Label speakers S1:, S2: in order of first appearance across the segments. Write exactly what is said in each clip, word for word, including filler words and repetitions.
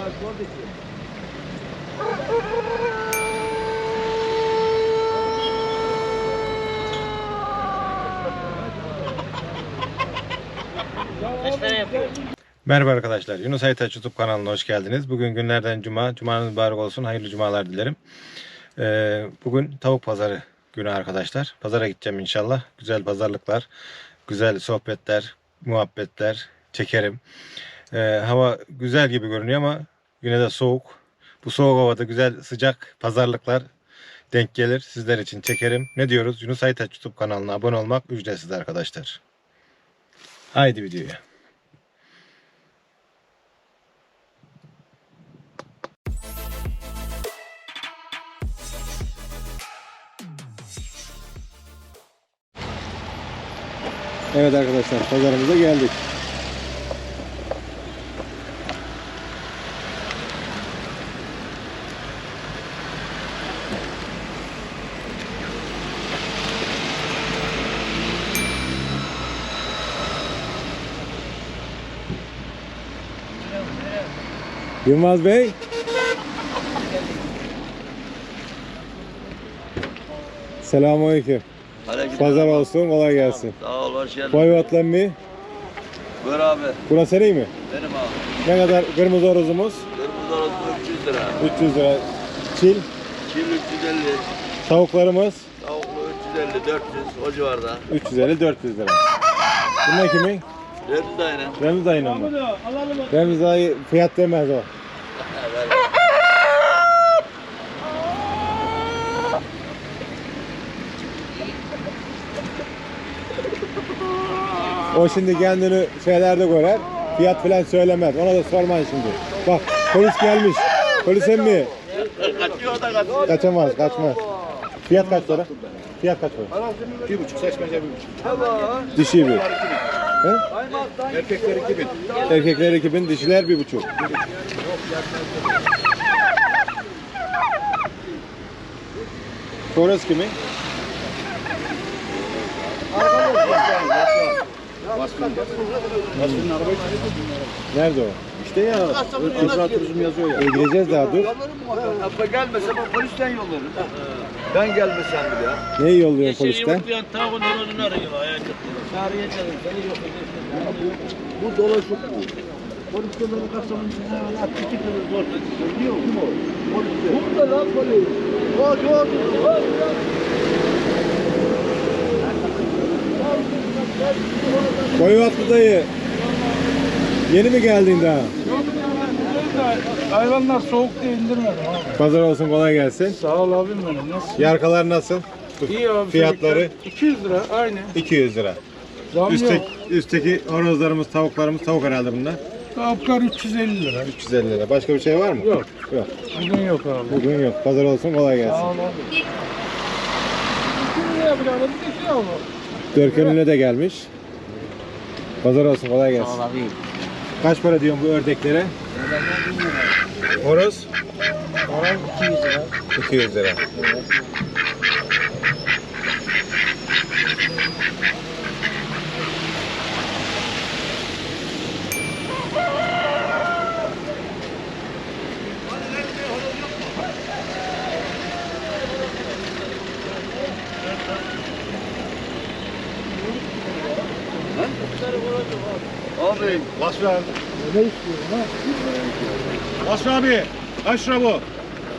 S1: Merhaba arkadaşlar, Yunus Aytaç YouTube kanalına hoş geldiniz. Bugün günlerden cuma, cumanız mübarek olsun, hayırlı cumalar dilerim. Ee, bugün tavuk pazarı günü arkadaşlar. Pazara gideceğim inşallah. Güzel pazarlıklar, güzel sohbetler, muhabbetler çekerim. Ee, hava güzel gibi görünüyor ama yine de soğuk. Bu soğuk havada güzel sıcak pazarlıklar denk gelir. Sizler için çekerim. Ne diyoruz? Yunus Aytaç YouTube kanalına abone olmak ücretsiz arkadaşlar. Haydi videoya. Evet arkadaşlar, pazarımıza geldik. Yılmaz Bey. Selamünaleyküm. Pazar olsun, kolay gelsin.
S2: Sağ ol, hoş geldin.
S1: Boy otlan mı?
S2: Buyur abi.
S1: Burası senin mi?
S2: Benim abi.
S1: Ne kadar kırmızı horozumuz?
S2: Kırmızı orası üç yüz lira.
S1: üç yüz lira. Çil.
S2: Çil üç yüz elli.
S1: Tavuklarımız?
S2: Tavuklu üç yüz elli, dört yüz o civarda.
S1: üç yüz elli dört yüz lira. Bunlar kimin?
S2: Remzi dayının.
S1: Remzi dayının mı? Remzi dayı fiyat demez o. O şimdi kendini şeylerde görer, fiyat falan söylemez. Ona da sormayın şimdi. Bak, polis gelmiş. Polis emmi.
S2: Kaçıyor da kaçıyor.
S1: Kaçamaz, kaçmaz. Fiyat kaç para? Fiyat kaç para?
S3: Bir buçuk, seçmece bir buçuk.
S1: Dişi bir. He?
S3: Erkekler iki bin.
S1: Erkekler iki bin, dişiler bir buçuk. Horoz kimin?
S3: Vasfı'nın arabayı
S1: Nerede o?
S3: İşte ya, Kızlar Turizm yazıyor ya.
S1: E, gireceğiz daha dur.
S2: Abla gelmese ben polisten yollarım. Ben gelmesem bile ya.
S1: Neyi yolluyorsun polisten?
S2: Tavuğun önünü arıyor. Çağrıya çalın. Seni yok. Bu dolaşık bu. Polislerin kasamın içine at iki kere zor. Biliyor musun o? Polis. Burada lan polis. Hadi hadi.
S1: Koyuvatlı dayı. Yeni mi geldin daha?
S4: Hayvanlar soğuk diye indirmedim abi.
S1: Pazar olsun, kolay gelsin.
S4: Sağ ol abim benim. Nasıl?
S1: Yarkalar nasıl?
S4: İyi abi.
S1: Fiyatları?
S4: iki yüz lira aynı.
S1: iki yüz lira.
S4: Zam
S1: Üstteki,
S4: yok.
S1: üstteki horozlarımız, tavuklarımız, tavuk herhalde bunlar.
S4: Tavuklar üç yüz elli lira.
S1: üç yüz elli lira. Başka bir şey var mı?
S4: Yok.
S1: Yok.
S4: Bugün yok abi.
S1: Bugün yok. Pazar olsun, kolay
S4: Sağ
S1: gelsin.
S4: ol abi. iki liraya bir arada bir de şey alma.
S1: Dörkönüne de gelmiş. Pazar olsun, kolay gelsin. Sağ ol abi. Kaç para diyorsun bu ördeklere? Horoz?
S4: Horoz iki yüz lira.
S1: iki yüz lira.
S2: Abi.
S1: Vasfi abi.
S4: Ne istiyorsun ha?
S1: Vasfi abi. Kaç lira bu?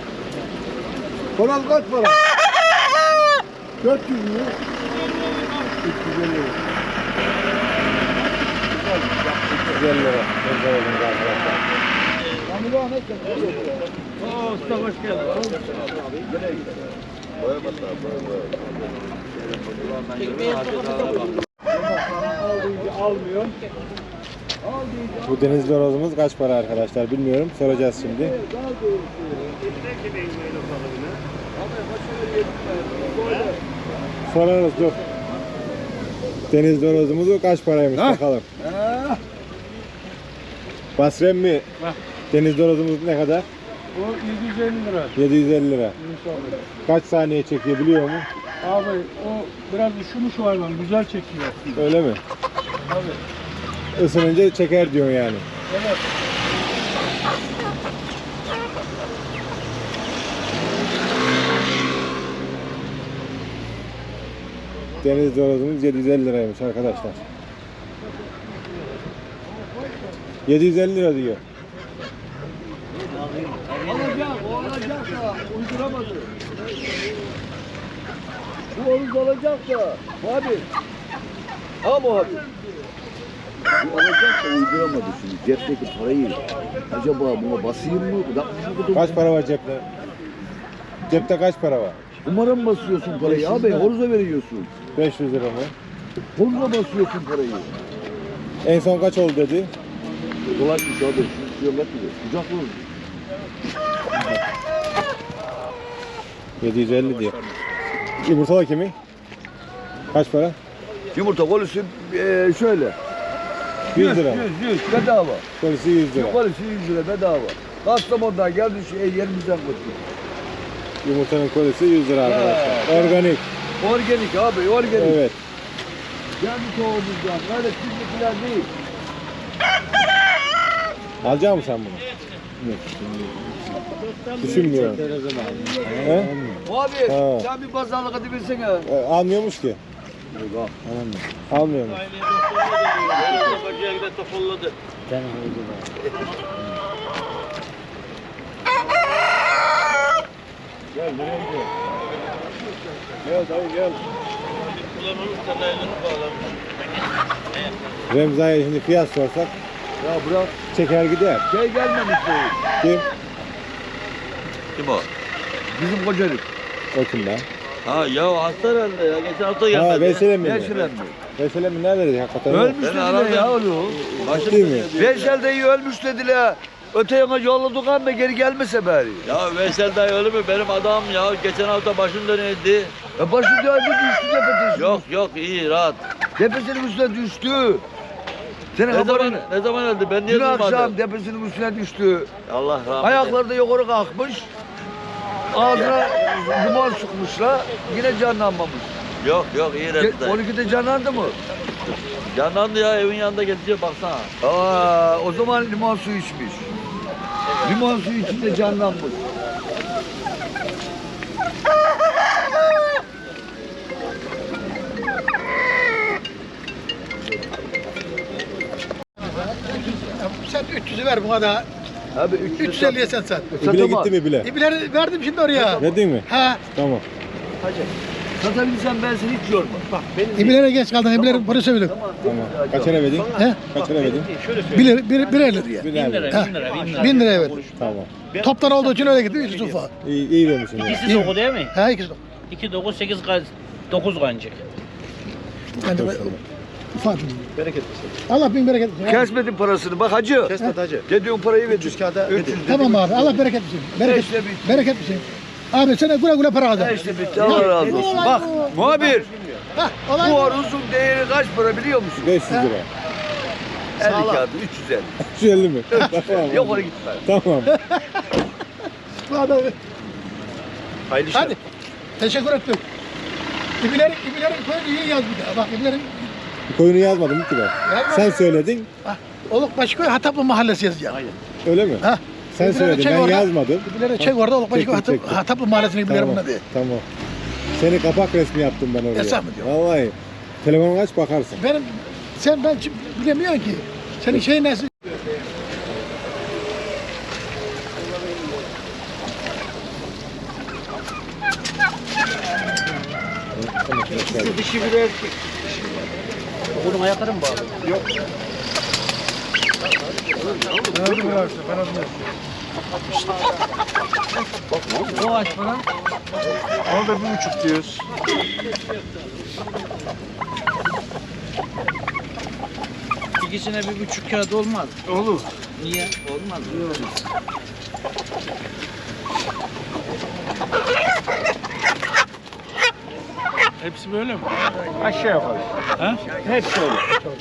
S4: Horoz kaç para? dört yüz lira. üç yüz elli lira.
S1: üç yüz elli lira. Pazar olsun arkadaşlar.
S4: Kamila ne kadar?
S2: Oo, usta hoş geldin. Boya basa, boya boya.
S4: Almıyor.
S1: Bu denizli horozumuz kaç para arkadaşlar bilmiyorum. Soracağız şimdi. Sorarız dur. Denizli horozumuzu kaç paraymış ha? Bakalım.
S4: Ha.
S1: Basrem mi?
S4: Ha.
S1: Denizli horozumuz ne kadar?
S4: O yedi yüz elli lira.
S1: yedi yüz elli lira.
S4: İnşallah.
S1: Kaç saniye çekiyor biliyor mu?
S4: Abi o biraz üşümüş hayvan, güzel çekiyor.
S1: Öyle mi?
S4: Abi.
S1: Isınınca çeker diyorsun yani.
S4: Evet.
S1: Deniz horozumuz yedi yüz elli liraymış arkadaşlar. yedi yüz elli lira diyor.
S2: Alacak, o alacak da uyduramadı. Bu onu alacak da. Abi. Ha bu abi. Bu alacak da uyduramadı şimdi. Cepteki parayı. Acaba buna basayım mı? Bırakmış mı?
S1: Kaç para var cepte? Cepte kaç para var?
S2: Numara mı basıyorsun parayı abi? Horoza veriyorsun.
S1: beş yüz lira mı?
S2: Horoza basıyorsun parayı.
S1: En son kaç oldu dedi?
S2: Dolaşmış abi. Şu diyorlar ki kucak vurur.
S1: yedi yüz elli diyor. Yumurtalar kimin? Kaç para?
S2: Yumurta kolisi eee şöyle.
S1: yüz lira.
S2: yüz, yüz bedava.
S1: Kolisi yüz lira.
S2: Kolisi yüz lira bedava. Kastamonu'dan geldi şu yerimizden koştu.
S1: Yumurtanın kolisi yüz lira arkadaşlar. Organik.
S2: Organik abi, organik.
S1: Evet.
S2: Kendi tohumumuzdan, öyle çiftlik falan değil.
S1: Alacak mısın sen bunu? Düşünmüyorum. He?
S2: Abi
S1: Ha.
S2: sen bir pazarlık hadi bilsene.
S1: E, almıyormuş ki. Almıyormuş.
S3: Gel nereye gidiyorsun? Gel dayı gel.
S1: Remza'ya şimdi fiyat sorsak
S2: Ya bırak.
S1: çeker gider.
S2: Şey gelmemiş bu.
S1: Kim?
S5: Kim o?
S2: Bizim kocalık.
S1: O kim lan?
S5: Ha ya hasta herhalde ya. Geçen hafta
S1: Ha
S5: gelmedi.
S1: Veysel mi?
S2: Yaşıren mi?
S1: Veysel mi nerede dedi hakikaten?
S2: Ölmüş
S5: Ben
S2: dediler
S5: aradım.
S2: ya oğlum.
S1: Ciddi mi?
S2: Veysel dayı ölmüş dediler. Öte yana yolladık ama geri gelmese bari.
S5: Ya Veysel dayı öyle mi? Benim adam ya. Geçen hafta başım dönüyordu.
S2: Ya başı döndü düştü tepesine.
S5: Yok yok iyi rahat.
S2: Tepesinin üstüne düştü. Senin
S5: Ne zaman,
S2: haberin.
S5: ne zaman öldü? Ben niye
S2: Dün akşam
S5: duymadım?
S2: tepesinin üstüne düştü.
S5: Allah rahmet eylesin.
S2: Ayakları da yukarı kalkmış. Ağzına duman sıkmışlar. Yine canlanmamış.
S5: Yok yok iyi
S2: Ge-
S5: rahat dayı.
S2: on ikide canlandı mı?
S5: Canlandı ya evin yanında geziyor baksana.
S2: Aa, o zaman limon suyu içmiş. Limon suyu içinde canlanmış.
S6: Sen üç yüzü ver buna da.
S2: Abi üç yüz
S6: üç yüz elliye sen sat.
S1: İbile gitti mi bile?
S6: İbileri verdim şimdi oraya.
S1: Verdin mi?
S6: Ha,
S1: Tamam.
S2: Satabilirsen ben seni hiç yorma. Bak benim
S6: ibilere geç kaldın. İbileri bunu söyledim.
S1: Tamam. Kaç lira verdin?
S6: He?
S1: Kaç lira verdin?
S6: Bir, bir, bir elli liraya.
S1: Bir lira.
S6: Ha, bin liraya verdim.
S1: Tamam.
S6: Toptan olduğu için öyle gitti. Üç ufa.
S1: İyi, iyi vermişsin. ya.
S7: İkisi dokuz değil mi?
S6: Ha, ikisi de.
S7: iki dokuz sekiz dokuz kancık.
S6: Ben de ufak. Bereket Allah bin bereket versin.
S2: kesmedin parasını. Bak hacı.
S3: Kesmet hacı.
S2: Dediğin parayı ver.
S3: üç yüz kağıda
S2: üç yüz.
S6: Tamam abi. Allah bereket versin. Bereket,
S2: İşte bitti.
S6: bereket versin. Abi sana güle güle para
S2: Ha
S6: kazan.
S2: işte bitti. Allah razı olsun. Bak muhabir.
S6: Ha, olay
S2: Bu
S6: bu.
S2: horozun değeri kaç para biliyor musun?
S1: beş yüz lira.
S2: elli kağıdı üç yüz elli.
S1: üç yüz elli mi? Tamam.
S2: Yok oraya gitme.
S1: Tamam.
S6: Bu adam.
S2: Hayırlı işler.
S6: Hadi. Teşekkür ettim. İbilerin, İbilerin koyunu iyi yaz bir daha. Bak İbilerin
S1: Koyunu yazmadım ki ben.
S6: Yazmadın.
S1: Sen söyledin.
S6: Olukbaşıköy Hataplı Mahallesi yazacağım.
S1: Öyle mi?
S6: Ha.
S1: Sen
S6: İbileri
S1: söyledin.
S6: çek
S1: Ben
S6: orada.
S1: yazmadım.
S6: İbileri çek orada Olukbaşköy
S1: Çektim,
S6: Hatap,
S1: çektim.
S6: Hataplı Mahallesi'ni İbilerin
S1: Tamam.
S6: buna de.
S1: Tamam. Seni kapak resmi yaptım ben oraya.
S6: Hesap mı diyor?
S1: Vallahi. Telefonu aç bakarsın.
S6: Benim, sen ben çi- bilemiyorsun ki. Senin şeyin nasıl?
S7: Dişi bir erkek. Bunun ayakları mı bağlı? Yok. O aç falan.
S3: Al da bir buçuk diyoruz.
S7: İkisine bir buçuk kağıt olmaz.
S3: Olur.
S7: Niye? Olmaz.
S3: Hepsi böyle mi?
S6: Aşağı yukarı.
S3: Ha?
S6: Hepsi öyle.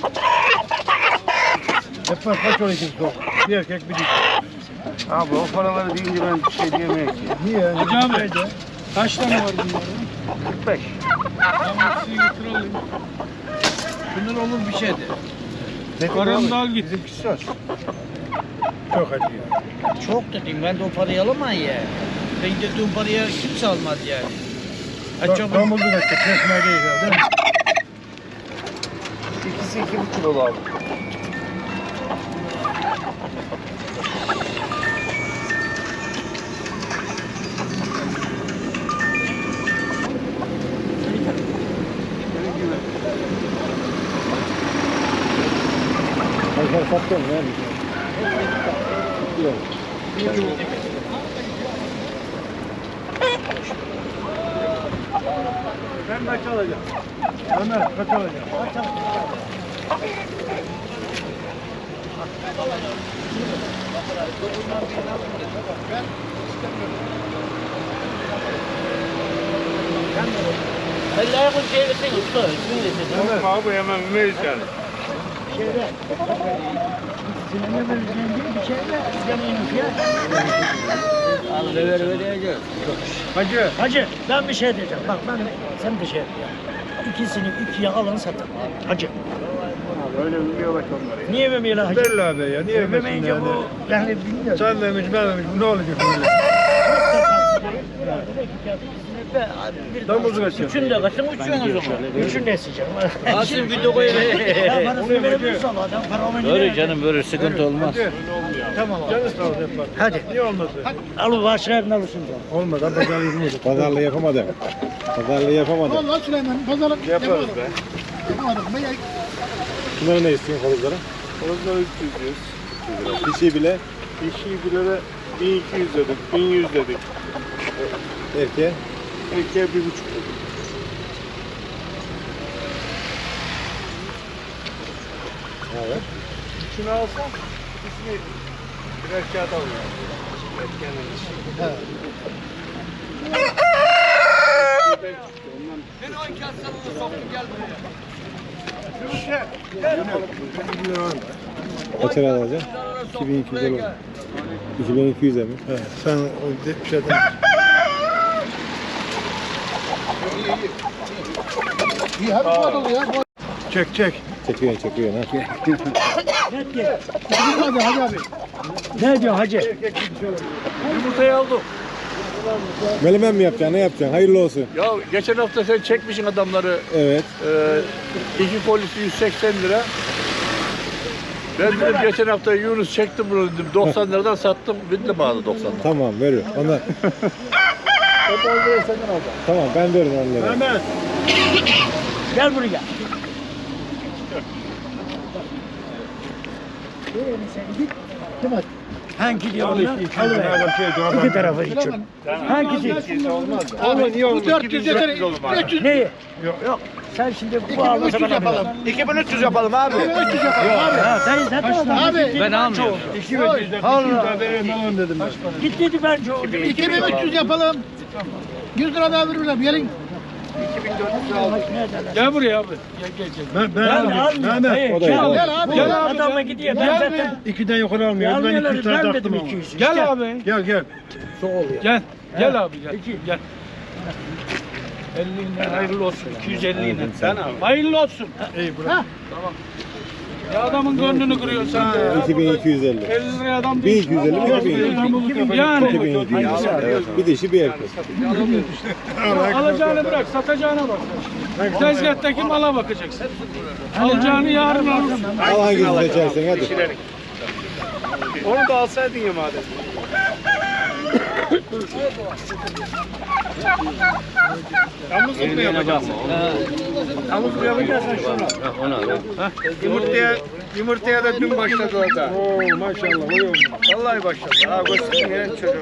S3: Hep var kaç on ikisi sok. Bir erkek bir dişi. Abi o paraları deyince ben bir şey diyemeyiz ki.
S6: Niye?
S3: Hacı abi. Kaç tane var bunların?
S6: kırk beş.
S3: Ben hepsini götürelim.
S7: Bunlar olur bir şeydi.
S3: Paranı da al git.
S6: Söz. Çok acıyor.
S7: Çok dedim ben de o parayı alamam ya. Ben dediğim paraya kimse almaz yani. Ha, çok
S3: Domuzlu kaçtı. Kesme değil ya, değil mi?
S2: İkisi iki buçuk oldu abi.
S1: Pazar sattın mı? Yok.
S3: Ben kaç alacağım? Ömer kaç alacağım?
S7: Allah'a koy çevirsin usta. İsmini de
S3: Tamam abi hemen ümeyiz yani.
S7: Al ver vereceğiz.
S3: Hacı.
S8: Hacı ben bir şey diyeceğim. Bak ben sen de şey yap ya. İkisini ikiye alın satın. Hacı.
S3: Öyle ümüyorlar onları.
S8: Niye vermiyorlar hacı?
S3: Belli abi ya. Niye
S8: Vermeyince
S3: vermesin yani?
S8: bu yani bilmiyorum.
S3: Sen vermiş ben vermiş. Bu ne olacak böyle? Domuzu kaçıyor.
S8: Üçün de kaçın uçuyorsun o zaman. Üçün de eseceğim.
S7: Asım video koyayım.
S8: Ya parasını verebiliriz ama adam para olmayınca.
S7: Böyle canım böyle sıkıntı olmaz.
S8: Tamam abi.
S3: Canı sağ ol yapar.
S8: Hadi.
S3: Niye olmadı?
S8: Al başlarını alırsın canım.
S3: Olmadı. Pazarlığı yapamadık.
S1: Pazarlığı yapamadım. Pazarlığı yapamadım.
S6: Vallahi Süleyman pazarlık
S3: Yaparız be.
S6: yapamadık. Ben ya-
S1: Bunları ne istiyorsun koluzlara?
S3: Orada üç yüz.
S1: Dişi bile
S3: Dişi bir lira bin iki yüz dedik. bin yüz dedik.
S1: erkeğe.
S3: Erkeğe bir buçuk dedik.
S1: Evet.
S3: Şunu alsam ikisini birer kağıt alıyorum. Erkeğinin dişi.
S1: Kaç lira alacaksın? iki bin iki yüz olur. iki bin iki yüze mi?
S3: He, sen o de- şeyden
S6: İyi hadi bu adamı ya.
S3: çek çek.
S1: Çekiyorsun çekiyorsun ha.
S8: Ne diyor?
S6: Hadi hadi abi.
S8: Ne diyor hacı?
S2: Yumurtayı aldım.
S1: Melemen mi yapacaksın? Ne yapacaksın? Hayırlı olsun.
S2: Ya geçen hafta sen çekmişsin adamları.
S1: Evet.
S2: Ee, iki polisi yüz seksen lira. Ben dedim geçen hafta Yunus çektim bunu dedim. doksan liradan sattım. Bitti bağlı doksan lira.
S1: Tamam veriyor. Ondan. Tamam ben veririm onları.
S3: Hemen.
S8: Gel buraya.
S6: Kim at?
S8: Hangi diyor
S3: Al
S8: ona?
S3: iki, iki,
S8: Alıver.
S3: nereden şey, doğru.
S8: İki tarafı için. Hangisi?
S3: Ama niye
S6: Bu
S3: olmaz?
S6: dört yüz yeter. üç yüz.
S8: Neyi? Yok. Sen şimdi bu almasa ben
S6: yapalım.
S8: alırım.
S2: iki bin üç yüz yapalım abi.
S6: üç yüz yapalım abi.
S8: Ha, dayı zaten adam.
S6: Abi.
S7: Ben almıyorum.
S3: İki bin yüz daha veririm alalım dedim ben.
S8: Git dedi ben çoğu.
S6: iki bin üç yüz yapalım. yüz lira daha veririm. Gelin.
S3: Gel buraya abi. Ben, ben
S8: Ben
S3: alayım.
S8: almıyorum.
S3: Hemen.
S8: Hayır,
S1: O da
S8: gel.
S1: yok.
S6: Gel abi.
S3: Gel abi.
S8: Adamla gidiyor. Ben zaten
S3: İkiden yukarı almıyorum. Ben iki
S8: almıyorlar.
S3: yüz tane
S8: Ben
S3: taktım
S8: dedim
S3: ama.
S8: iki yüz.
S3: Gel
S8: İşte.
S3: abi. Gel gel. Gel. Gel abi gel. Gel. elli lira hayırlı olsun. iki yüz elli lira. Sen abi. Hayırlı olsun. İyi bırak. Tamam. Ya adamın gönlünü kırıyorsun sen de ya.
S1: iki bin iki yüz elli.
S3: elli liraya adam
S1: bin iki yüz elli mi? iki bin iki yüz.
S3: Yani.
S1: iki bin iki yüz. Evet. Bir dişi bir erkek.
S3: Alacağını bırak, satacağına bak. Tezgahtaki mala bakacaksın. Alacağını yarın alırsın.
S1: Al hangisini seçersen hadi.
S3: Onu da alsaydın ya madem. Yalnızlık mı yapacaksın? Yalnızlık yapacaksın şunu. Yumurtaya, yumurtaya da dün başladı orada. Oo maşallah. Vallahi başladı. Ha göstersin ya çocuğum.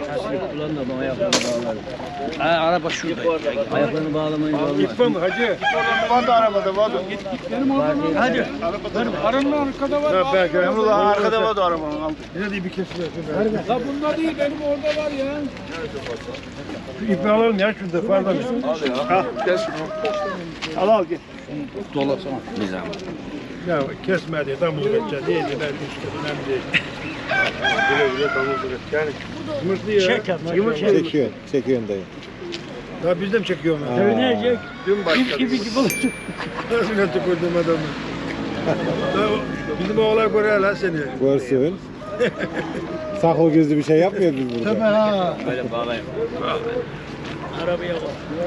S7: Ha, araba şurada. Ayaklarını bağlamayınca olmaz.
S3: Gitme mi hacı? Var da arabada var. Git git benim oradan. Hadi. Aranın arkada var. Ha belki. Benim de arkada var da arabanın aldı. Ne diye bir kesiyorsun? La bunda değil benim orada var ya. Şu ipi alalım ya şurada pardon. Ha gel şunu. Al al gel.
S7: Dolasana. Nizam.
S3: Ya kesme diye damız geçeceğiz. Neydi ben işte önemli değil. Güle güle damız geç. Yani yumurtlu ya.
S8: Çek yap.
S3: Yumurtlu.
S1: Çekiyorsun. Çekiyorsun dayı.
S3: Ya biz de mi çekiyoruz?
S1: Aa.
S8: Ölecek.
S3: Dün başladı.
S8: Gibi gibi olur.
S3: Nasıl tükürdüm adamı? Ya, bizim oğlan görüyor lan seni.
S1: Görsün. Saklı gizli bir şey yapmıyoruz biz burada.
S6: Tabii ha.
S5: Böyle bağlayayım.
S8: Arabaya bak.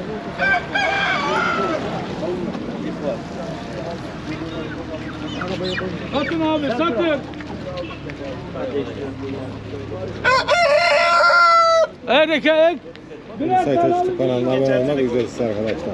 S3: Satın abi satın. Erkek.
S1: Yunus Aytaç YouTube kanalına abone olmak ücretsiz arkadaşlar.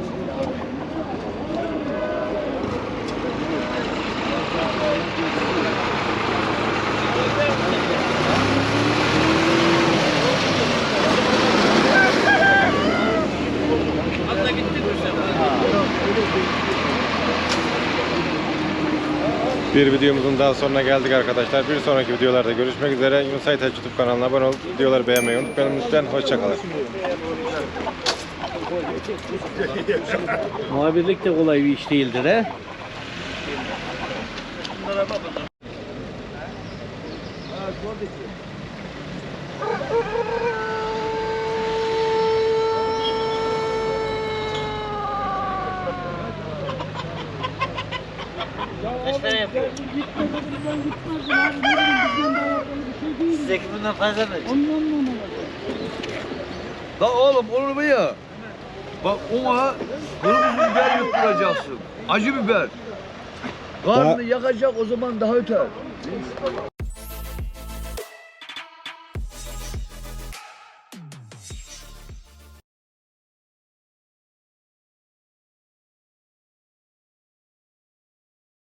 S1: Bir videomuzun daha sonuna geldik arkadaşlar. Bir sonraki videolarda görüşmek üzere. Yunus Aytaç YouTube kanalına abone olup videoları beğenmeyi unutmayın lütfen. Hoşçakalın.
S7: Muhabirlik de kolay bir iş değildir he.
S5: sekiz binden fazla mı? La oğlum olur mu ya? Bak ona kırmızı biber yutturacaksın. Acı biber. Karnını yakacak o zaman daha öter.